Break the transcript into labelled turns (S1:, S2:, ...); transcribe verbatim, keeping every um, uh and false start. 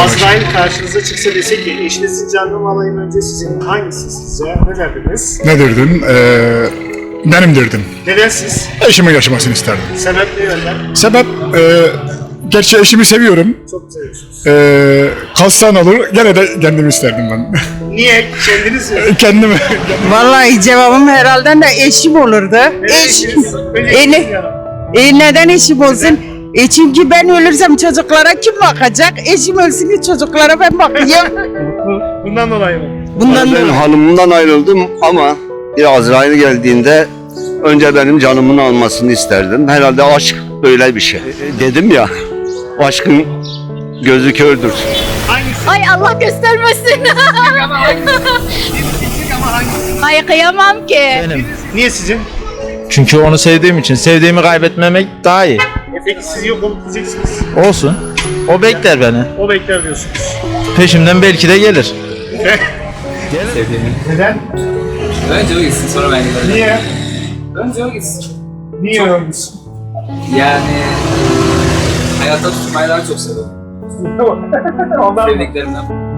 S1: Azrail karşınıza çıksa dese ki eşinizin canını alayım önce sizin hangisi sizce? Ne derdiniz?
S2: Ne derdim? Ee, benim derdim.
S1: Neden siz?
S2: Eşimin yaşamasını isterdim.
S1: Sebep ne yönden?
S2: Sebep, e, gerçi eşimi seviyorum.
S1: Çok seviyorsunuz.
S2: E, kalsan olur, gene de kendimi isterdim ben.
S1: Niye? Kendiniz mi?
S2: Kendimi.
S3: Vallahi cevabım herhalde de eşim olurdu.
S1: Neden
S3: Eş.
S1: eşiniz? Önce
S3: E,
S1: eşiniz
S3: ne-
S1: ya.
S3: E neden eşim olsun? E çünkü ben ölürsem çocuklara kim bakacak? Eşim ölsün ki çocuklara ben bakayım.
S1: Bundan dolayı mı?
S3: Bundan
S4: Ben
S3: dolayı.
S4: hanımımdan ayrıldım ama bir Azrail geldiğinde önce benim canımın almasını isterdim. Herhalde aşk böyle bir şey. E, Dedim ya, aşkın gözü kördür.
S1: Hangisi?
S5: Ay Allah göstermesin.
S1: Ama hangisi? Bir seçecek ama hangisi?
S5: Ay kıyamam ki.
S6: Benim.
S1: Niye sizin?
S6: Çünkü onu sevdiğim için. Sevdiğimi kaybetmemek daha iyi.
S1: E peki siz yok olup gideceksiniz.
S6: Olsun. O bekler beni.
S1: O bekler diyorsunuz.
S6: Peşimden belki de gelir.
S1: Neden?
S7: Önce o gitsin sonra ben giderim.
S1: Niye?
S7: Önce o gitsin.
S1: Niye ölmüşsün?
S7: Yani hayatta tutmayı daha çok seviyorum.
S1: Ondan mı?
S7: Sevdiklerimden.